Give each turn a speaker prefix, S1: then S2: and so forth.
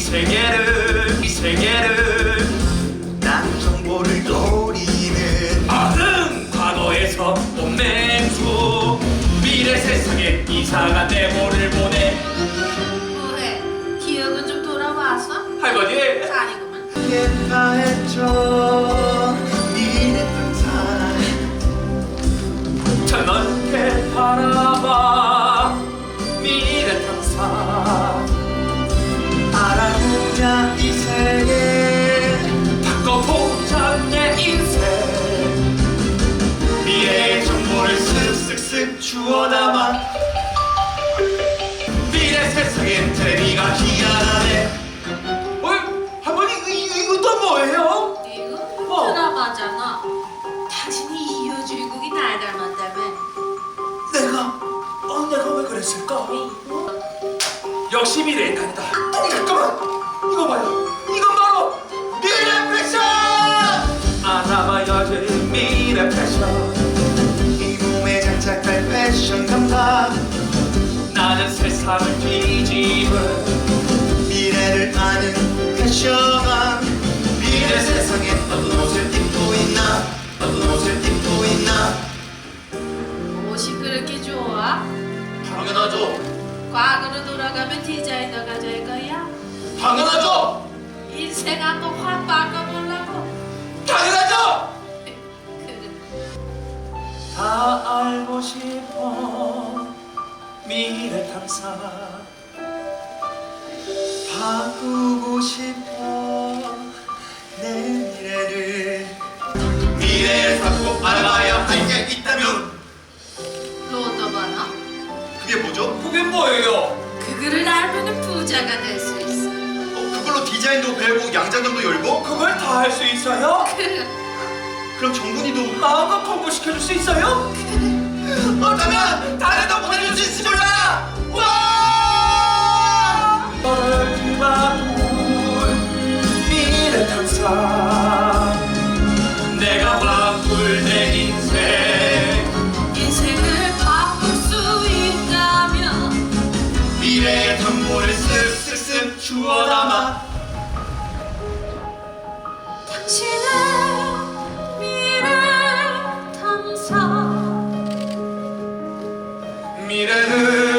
S1: 세계를
S2: 난 정보를 노리는
S1: 과거에서 온 맹수 미래 세상에 이상한 데모를 보내.
S3: 뭐해? 기억은 좀 돌아왔어?
S1: 할머니
S3: 아니구만.
S2: 예파했죠 미래 탐사
S1: 저 넓게 바라봐 미래 탐사.
S2: 알아보자 이 세계
S1: 바꿔보자 내 인생. 미래의 정보를 쓱쓱쓱 주워 담아. 미래 세상엔 테레비가 희한하네. 할머니 이거 또 뭐예요?
S3: 이거 드라마잖아. 당신이 이 여주인공이 날 닮았다며.
S1: 내가 왜 그랬을까? 역시 미래의 인간이다. 잠깐만 이거 봐요. 이건 바로 미래 패션. 알아봐야지 미래 패션.
S2: 이 몸에 장착할 패션 감각
S1: 나는 세상을 뒤집은
S2: 미래를 아는 패션왕 미래 세상에 어떤 옷을 입고 있나 어떤 옷을 입고 있나
S3: 옷이 그렇게 좋아?
S2: 당연하죠
S3: 과거로 돌아가면 디자이너가 될 거야?
S2: 당연하죠
S3: 인생 한번 확 바꿔보려고?
S2: 당연하죠
S3: 그래.
S1: 다 알고 싶어 미래 탐사.
S2: 바꾸고 싶어 내 미래를 미래를 바꾸고 알아봐야 할 게 있다면
S3: 로또 번호?
S2: 그게 뭐죠?
S1: 그게 뭐예요?
S3: 그거를 알면 부자가 될 수 있어.
S2: 그걸로 디자인도 배우고 양장점도 열고
S1: 그걸 다 할 수 있어요?
S3: 그래.
S2: 그럼 정군이도
S1: 마음껏 공부시켜줄 수 있어요?
S2: 어쩌면 다른 보내줄 수 있을지 몰라 와
S1: 너를 뒤바꿀 미래 탐사. 내가 바꿀 내 인생.
S3: 인생을 바꿀 수 있다면
S2: 미래의 정보를 쓱쓱쓱 주워 담아
S3: 당신의 미래 탐사.
S1: 미래는